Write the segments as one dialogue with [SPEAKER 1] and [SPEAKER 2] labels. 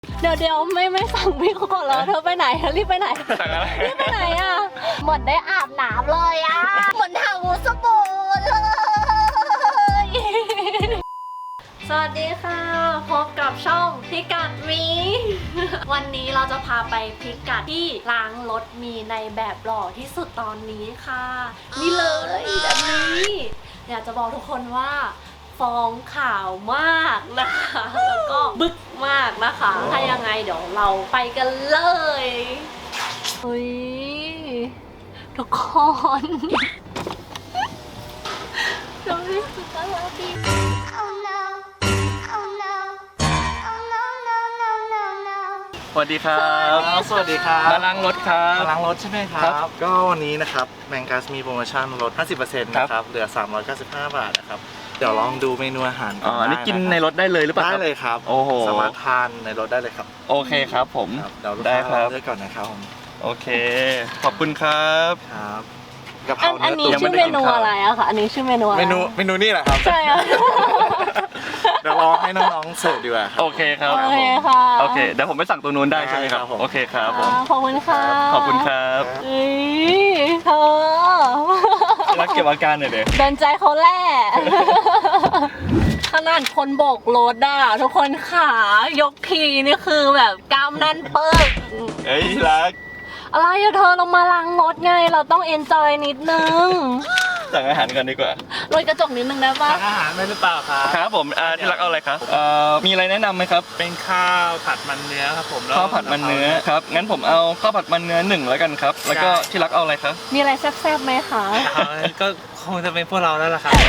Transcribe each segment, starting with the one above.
[SPEAKER 1] เดี๋ยวไม่สั่งพี่เขาก่อนแล้วเธอไปไหนรีบไปไหน
[SPEAKER 2] สั่งอะไร
[SPEAKER 1] รีบไปไหนอ่ะเหมือนได้อาบน้ำเลยอ่ะเหมือนทาวูสบู่เลยสวัสดีค่ะพบกับช่องพิกัดมีวันนี้เราจะพาไปพิกัดที่ล้างรถมีในแบบหล่อที่สุดตอนนี้ค่ะนี่เลยแบบนี้อยากจะบอกทุกคนว่าฟองขาวมากนะคะแล้วก็บึกมากนะคะถ้ายังไงเดี๋ยวเราไปกันเลยเฮ้ยทุกคนเราไม่สุดแล้วดี
[SPEAKER 2] สวัสดีครับ
[SPEAKER 3] สวัสดีครับ
[SPEAKER 2] มาล้างรถครับ
[SPEAKER 3] มาล้างรถใช่ไหมค
[SPEAKER 2] ครั
[SPEAKER 3] รับ
[SPEAKER 2] บ
[SPEAKER 3] ก็วันนี้นะครับแมงกัสมีโปรโมชั่นลด 50% นะครับ เหลือ 395 บาทนะครับ เดี๋ยวลองดูเมนูอาหาร
[SPEAKER 2] อ๋ออันนี้กินในรถได้เลยหรือเปล่า
[SPEAKER 3] ได้
[SPEAKER 2] ครับ
[SPEAKER 3] เลยครับ
[SPEAKER 2] โอ้โห
[SPEAKER 3] สามารถทานในรถได้เลยครับ
[SPEAKER 2] โอเคครับผม
[SPEAKER 3] ครับเดี๋ยวลูก
[SPEAKER 2] ได้
[SPEAKER 3] ค้า
[SPEAKER 2] ครับ
[SPEAKER 3] เลือกก่อนนะครับผม
[SPEAKER 2] โอเค ขอบคุณครับ
[SPEAKER 3] ครับกะเพรา
[SPEAKER 1] อัน
[SPEAKER 3] เนื้อ
[SPEAKER 1] นี้
[SPEAKER 3] ตุ๋น
[SPEAKER 1] ชื่อเมนูอะไรอะคะอันนี้ชื่อเมนูอะไร
[SPEAKER 3] เมนูนี่แหละครับ
[SPEAKER 1] ใช่อะ
[SPEAKER 3] เดี๋ยวรอให้น้องๆเสิร์ฟดีกว่าครับ
[SPEAKER 2] โอเคครับ
[SPEAKER 1] โอเคค่ะ
[SPEAKER 2] โอเคเดี๋ยวผมไปสั่งตัวนู้นได้ใช่ไหมครับ
[SPEAKER 3] ได้ครับผม
[SPEAKER 2] โอเคครับผม
[SPEAKER 1] ขอบคุณค่ะ
[SPEAKER 2] ขอบคุณครับ
[SPEAKER 1] เอ้ยเธอ
[SPEAKER 2] รักเก็บอาการหน่อยเดี๋ยว
[SPEAKER 1] โดนใจเขาแหละขนาดคนโบกรถอะทุกคนขายกทีนี่คือแบบกล้ามแน่นเปิ้ล
[SPEAKER 2] เอ้ยรัก
[SPEAKER 1] อะไรอะเธอเรามาล้างรถไงเราต้องเอนจอยนิดนึง
[SPEAKER 2] สั่งอาหารกันดีกว่า
[SPEAKER 1] รถกระจกนิดนึงได้ปะ
[SPEAKER 3] อาหารไม่หรือเปล่าครับ
[SPEAKER 2] ครับผมที่รักเอาอะไรครับมีอะไรแนะนำไหมครับ
[SPEAKER 3] เป็นข้าวผัดมันเนื้อครับผม
[SPEAKER 2] ข้าวผัดมันเนื้อครับงั้นผมเอาข้าวผัดมันเนื้อ1แล้วกันครับแล้วก็ที่รักเอาอะไรครับ
[SPEAKER 1] มีอะไรแซ่บๆไหมคะ
[SPEAKER 3] ก็คงจะเป็นพวกเราแล้วล่ะครับ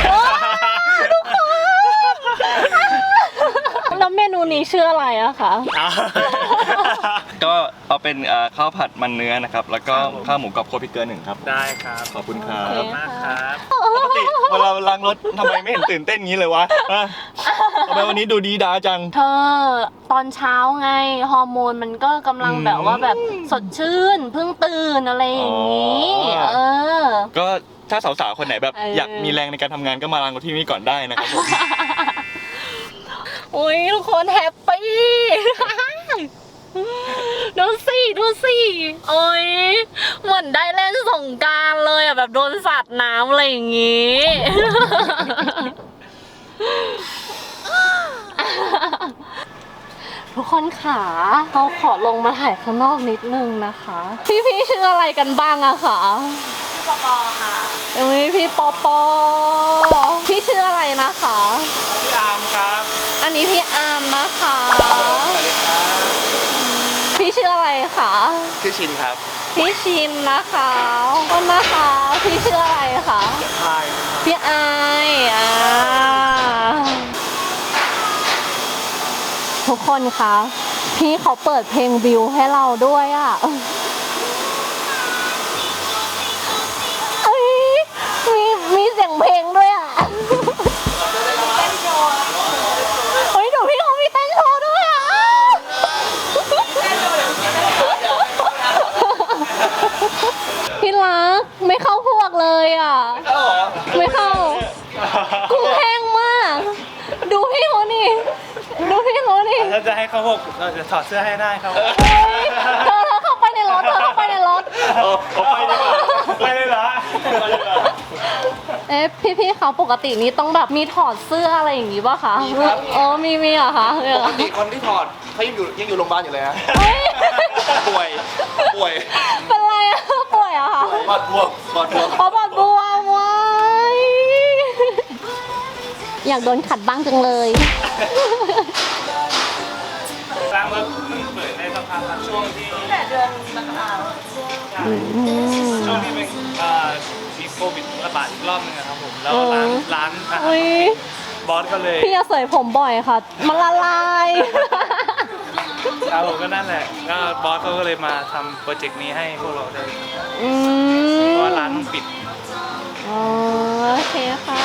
[SPEAKER 1] แล้วเมนูนี้ชื่ออะไรอะคะ
[SPEAKER 2] ก็เอาเป็นข้าวผัดมันเนื้อนะครับแล้วก็ข้าวหมูกรอบโคพริกเกลือ1ครับ
[SPEAKER 3] ได้ครับ
[SPEAKER 2] ขอบคุณครั
[SPEAKER 1] โอเค
[SPEAKER 2] บ
[SPEAKER 3] มากครับ
[SPEAKER 2] ปกติเวลาล้างรถทำไมไม่เห็นตื่นเต้นงี้เลยวะทำไมวันนี้ดูดีดาจัง
[SPEAKER 1] เธอตอนเช้าไงฮอร์โมนมันก็กำลังแบบว่าแบบสดชื่นเพิ่งตื่นอะไรอย่างนี้
[SPEAKER 2] อ๋อ
[SPEAKER 1] เออ
[SPEAKER 2] ก็ถ้าสาวๆคนไหนแบบ
[SPEAKER 1] เออ
[SPEAKER 2] อ
[SPEAKER 1] อ
[SPEAKER 2] ยากมีแรงในการทำงานก็มาล้างรถที่นี่ก่อนได้นะครับผม
[SPEAKER 1] อุ้ยทุกคนแฮปปี้ ดูสิโอ้ยเหมือนได้เล่นสงกรานต์เลยอะแบบโดนสาดน้ำอะไรอย่างงี้ ทุกคนขาเราขอลงมาถ่ายข้างนอกนิดนึงนะคะ พี่ชื่ออะไรกันบ้างอะคะพี่ปอปอค่ะเอ้ยพี่ปอปอพี่ชื่ออะไรนะคะ
[SPEAKER 3] พี่อาร์มครับ
[SPEAKER 1] อันนี้พี่อาร์มนะคะ
[SPEAKER 3] สวัสดีครับ
[SPEAKER 1] พี่ชื่ออะไรคะ
[SPEAKER 3] ชื่อชินครับ
[SPEAKER 1] พี่ชินนะคะต้นนะคะพี่ชื่ออะไรคะ
[SPEAKER 3] พาย
[SPEAKER 1] พี่ไอายทุกคนคะพี่เขาเปิดเพลงบิวให้เราด้วยอ่ะเอ้ยมีเสียงเพลงด้วยอ่ะเฮ้ยเดี๋ยวพี่เขามีเต้นโชว์ด้วยอ่ะพี่รักไม่เข้าพวกเลยอ่ะไม่เข้ากุ้งแห้งมากดูพี่เขานี่ดูพี่เขานี่
[SPEAKER 3] ถ้าจะให้เขาพกเราจะถอดเสื้อให้ได้ครับ
[SPEAKER 1] เฮ้ยเธอเข้าไปในรถเธอเข้าไปในรถ
[SPEAKER 3] ไปดีกว่าไปเลยเหรอ
[SPEAKER 1] เอ๊ะพี่เขาปกตินี้ต้องแบบมีถอดเสื้ออะไรอย่างงี้ป่ะคะอ๋อมีเหรอคะเนี่ย
[SPEAKER 4] ปกติคนที่ถอดเขายังอยู่โรงพยาบาลอยู่เลยฮะ
[SPEAKER 1] เฮ้ย
[SPEAKER 4] ป่วย
[SPEAKER 1] เป็นไรอะป่วยเหรอะคะ
[SPEAKER 4] ปอดบวม
[SPEAKER 1] ขอบอดบวมไว้อยากโดนขัดบ้างจังเลย
[SPEAKER 3] ล้างรถเพิ่งเปิดในสภาพช่วงที่
[SPEAKER 1] แต่เดือนมกรา
[SPEAKER 3] ช่วงที่เป็นมีโควิดระบาดอีกรอบนึงอะครับผม แล้วร้านอาหาร
[SPEAKER 1] อุ้ย
[SPEAKER 3] บอสก็เลย
[SPEAKER 1] พี่จะเสยผมบ่อยค่ะ มันละลาย
[SPEAKER 3] เอาผมก็นั่นแหละก็บอสเขาก็เลยมาทำโปรเจกต์นี้ให้พวกเราได้
[SPEAKER 1] อื
[SPEAKER 3] เพ
[SPEAKER 1] ม
[SPEAKER 3] ราะว่าร้านปิด
[SPEAKER 1] อ๋อโอเคค่ะ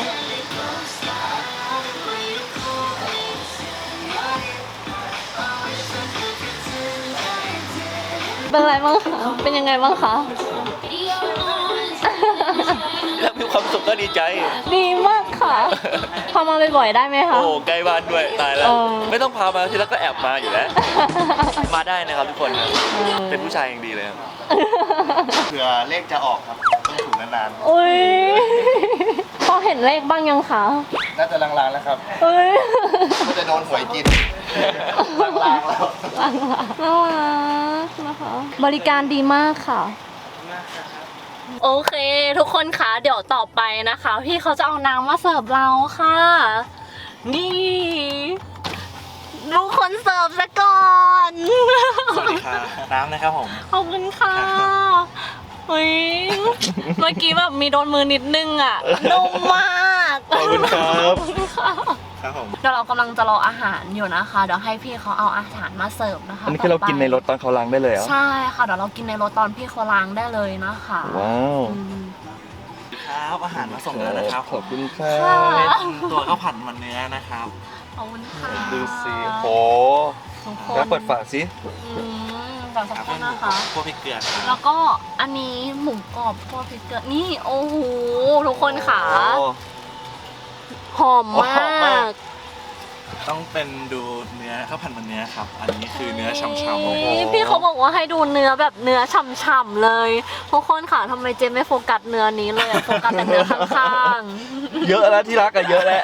[SPEAKER 1] เป็นไรบ้างคะ เป็นยังไงบ้างคะ
[SPEAKER 2] แล้วมีความสุขก็ดีใจ
[SPEAKER 1] ดีมากค่ะค่ะพามาบ่อยๆได้ไหมคะ
[SPEAKER 2] โอ้ใกล้บ้านด้วยตายแล้ว
[SPEAKER 1] เออ
[SPEAKER 2] ไม่ต้องพามาทีละก็แอบมาอยู่แล้ว มาได้นะครับทุกคนเป็นผู้ชายอย่างดีเลยครับ
[SPEAKER 4] เผื่อเลขจะออกครับ ต้องถูกนาน
[SPEAKER 1] อุ้ยพอเห็นเลขบ้างยังคะ
[SPEAKER 4] ๆ น่าจะลางๆแล้วครับ
[SPEAKER 1] เอ้ย
[SPEAKER 4] ก็จะโดนหวยกินลางๆแล้ว
[SPEAKER 1] น่ารักนะคะ บริการดีมากค่ะ โอเค ทุกคนคะเดี๋ยวต่อไปนะคะ พี่เขาจะเอาน้ำมาเสิร์ฟเราค่ะ นี่ดูคนเสิร์ฟซะก่อน
[SPEAKER 3] สวัสดีครับน้ำนะครับผม
[SPEAKER 1] ขอบคุณค่ะเฮ้ยเมื่อกี้แบบมีโดนมือนิดนึงอ่ะนุ่มมาก
[SPEAKER 2] ขอบคุณครับ
[SPEAKER 1] ขอบคุณค่ะ
[SPEAKER 3] ครับผม
[SPEAKER 1] เดี๋ยวเรากำลังจะรออาหารอยู่นะคะ เดี๋ยวให้พี่เขาเอาอาหารมาเสิร์ฟนะคะ
[SPEAKER 2] อันนี้คือเรากินในรถตอนเขาล้างได้เลยเหรอ
[SPEAKER 1] ใช่ค่ะเดี๋ยวเรากินในรถตอนพี่เขาล้างได้เลยนะคะ
[SPEAKER 2] ว้าว
[SPEAKER 1] อืม
[SPEAKER 3] ครับอาหารมาส่งแล้วนะครับ
[SPEAKER 2] ขอบคุณครั
[SPEAKER 1] ค่ะ
[SPEAKER 2] บ
[SPEAKER 3] เป็นตัวข้าวผัดมันเนื้อนะครับ
[SPEAKER 1] ขอบคุณค่ะ
[SPEAKER 2] ดูสิโห
[SPEAKER 1] ทุกคน
[SPEAKER 2] แล้วเปิดฝาสิ
[SPEAKER 1] เดี๋ยวสักครู่นะคะ
[SPEAKER 3] พวกพริกเกลือครับ
[SPEAKER 1] แล้วก็อันนี้หมูกรอบคั่วพริกเกลือนี่โอ้โหทุกคนค่ะ
[SPEAKER 2] โอ้
[SPEAKER 1] หอมม
[SPEAKER 2] หอมมา
[SPEAKER 1] าก ก
[SPEAKER 3] ต้องเป็นดูเนื้อข้าวผัดมันเนื้อครับ อันนี้คือเนื้อฉ่ำๆ
[SPEAKER 1] เฮ้ยพี่เขาบอกว่าให้ดูเนื้อแบบเนื้อฉ่ำๆเลยทุกคนค่ะทำไมเจไม่โฟกัสเนื้อนี้เลยอะโฟกัสแต่เนื้อข้าง
[SPEAKER 2] เยอะแล้วที่รักอะเยอะแล้ว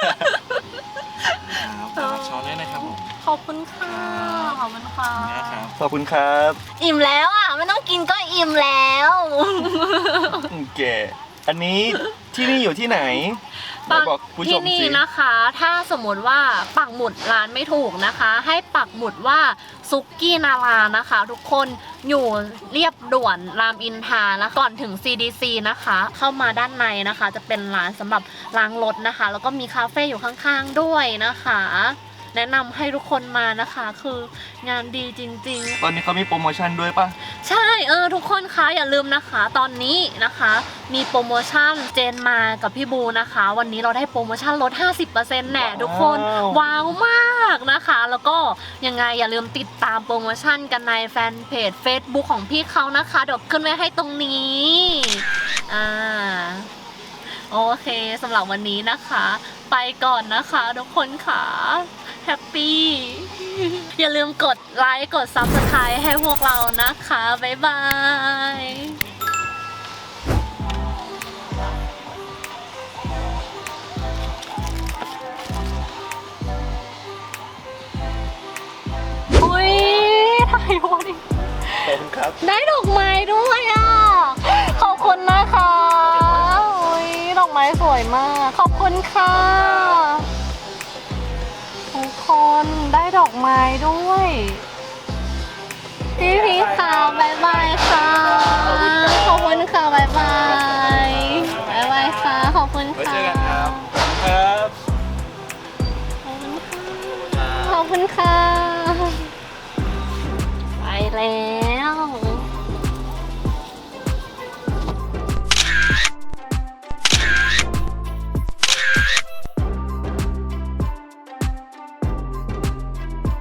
[SPEAKER 3] ครับช้อนด้วยนะครับผม
[SPEAKER 1] ๆขอบคุณค่ะขอบคุณค่ะ
[SPEAKER 3] เนื้อครับ
[SPEAKER 2] ขอบคุณครับ
[SPEAKER 1] อิ่มแล้วอ่ะไม่ต้องกินก็อิ่มแล้ว
[SPEAKER 2] โอเคอันนี้ที่นี่อยู่ที่ไหนไหนบอกผู้ช
[SPEAKER 1] ที่
[SPEAKER 2] ม
[SPEAKER 1] นี่
[SPEAKER 2] สิ
[SPEAKER 1] นะคะ ถ้าสมมติว่าปักหมุดร้านไม่ถูกนะคะ ให้ปักหมุดว่าซุกี้นารานะคะ ทุกคนอยู่เรียบด่วนรามอินทราแล้วก่อนถึง CDC นะคะ เข้ามาด้านในนะคะ จะเป็นร้านสำหรับล้างรถนะคะ แล้วก็มีคาเฟ่อยู่ข้างๆด้วยนะคะ แนะนำให้ทุกคนมานะคะ คืองานดีจริงๆ
[SPEAKER 2] ตอนนี้เขามีโปรโมชั่นด้วยป่ะ
[SPEAKER 1] ใช่ทุกคนคะอย่าลืมนะคะ ตอนนี้นะคะมีโปรโมชั่นเจนมากับพี่บูนะคะ วันนี้เราได้โปรโมชั่นลด 50%แน่ทุกคนว้าวมากนะคะ แล้วก็ยังไงอย่าลืมติดตามโปรโมชั่นกันในแฟนเพจ Facebook ของพี่เขานะคะเดี๋ยวขึ้นไว้ให้ตรงนี้โอเคสำหรับวันนี้นะคะ ไปก่อนนะคะทุกคนค่ะแฮปปี้อย่าลืมกดไลค์กด Subscribe ให้พวกเรานะคะ บ๊ายบายอุ้ยถ่ายวันนี้
[SPEAKER 2] ขอบคุณครับ
[SPEAKER 1] ได้ดอกไม้ด้วยอ่ะ ขอบคุณนะคะอุ้ยดอกไม้สวยมาก ขอบคุณค่ะทุกคนได้ดอกไม้ด้วย พี่ค่ะบ๊ายบายค่ะ ขอบคุณค่ะบ๊ายบายบ๊ายบายค่ะ ขอบคุณ
[SPEAKER 3] ไว้
[SPEAKER 1] ค่ะ
[SPEAKER 3] เจอกันครับ
[SPEAKER 2] ครับ
[SPEAKER 1] ขอบคุณค่ะ ไปแล้ว